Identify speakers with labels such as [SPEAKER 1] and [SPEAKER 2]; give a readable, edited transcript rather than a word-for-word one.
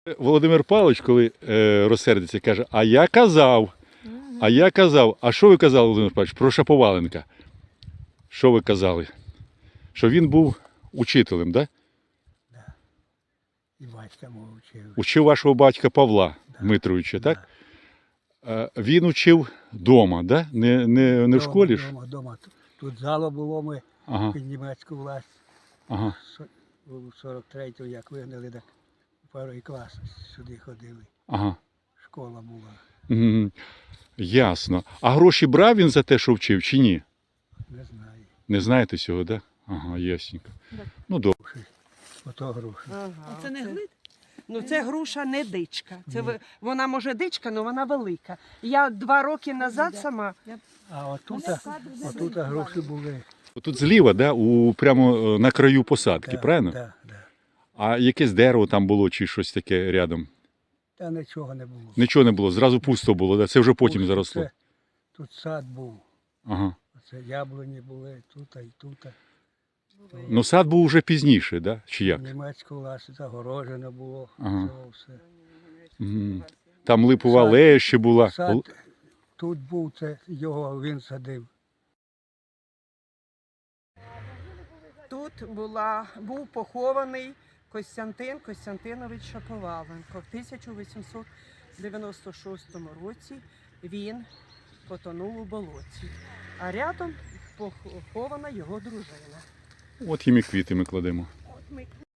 [SPEAKER 1] Володимир Павлович, коли розсердиться, каже, а я казав. А що ви казали, Володимир Павлович, про Шаповаленка? Що ви казали? Що він був учителем, так?
[SPEAKER 2] Да. І батька мого вчив.
[SPEAKER 1] Учив вашого батька Павла Дмитровича, так? Він учив вдома, да? Не в школі ж?
[SPEAKER 2] Дома. Тут зало було, ми під німецьку власть.
[SPEAKER 1] Ага.
[SPEAKER 2] У 43-му, як вигнали, так у перший клас сюди ходили.
[SPEAKER 1] Ага.
[SPEAKER 2] Школа була.
[SPEAKER 1] Ясно. А гроші брав він за те, що вчив, чи ні?
[SPEAKER 2] Не знаю.
[SPEAKER 1] Не знаєте цього, так? Ага, ясненько. Ну, добре.
[SPEAKER 2] Ото гроші.
[SPEAKER 3] А це не глид? Ну це груша не дичка. Вона може дичка, але вона велика. Я 2 роки назад сама.
[SPEAKER 2] А отут гроші були.
[SPEAKER 1] Тут зліва, да? Прямо на краю посадки, правильно?
[SPEAKER 2] Так.
[SPEAKER 1] А якесь дерево там було чи щось таке рядом?
[SPEAKER 2] Та нічого не було.
[SPEAKER 1] Нічого не було, зразу пусто було, да? Це вже потім заросло.
[SPEAKER 2] Тут сад був.
[SPEAKER 1] Ага.
[SPEAKER 2] Це яблуні були, тут і тут.
[SPEAKER 1] Ну сад був вже пізніше, да? Чи як?
[SPEAKER 2] Німецьку власть загорожено було.
[SPEAKER 1] Ага.
[SPEAKER 2] Цього все.
[SPEAKER 1] Там липова алея ще була.
[SPEAKER 2] Сад тут був, це його він садив.
[SPEAKER 3] Тут був похований Костянтин Костянтинович Шаповаленко. В 1896 році він потонув у болоті, а рядом похована його дружина.
[SPEAKER 1] От їм і квіти ми кладемо.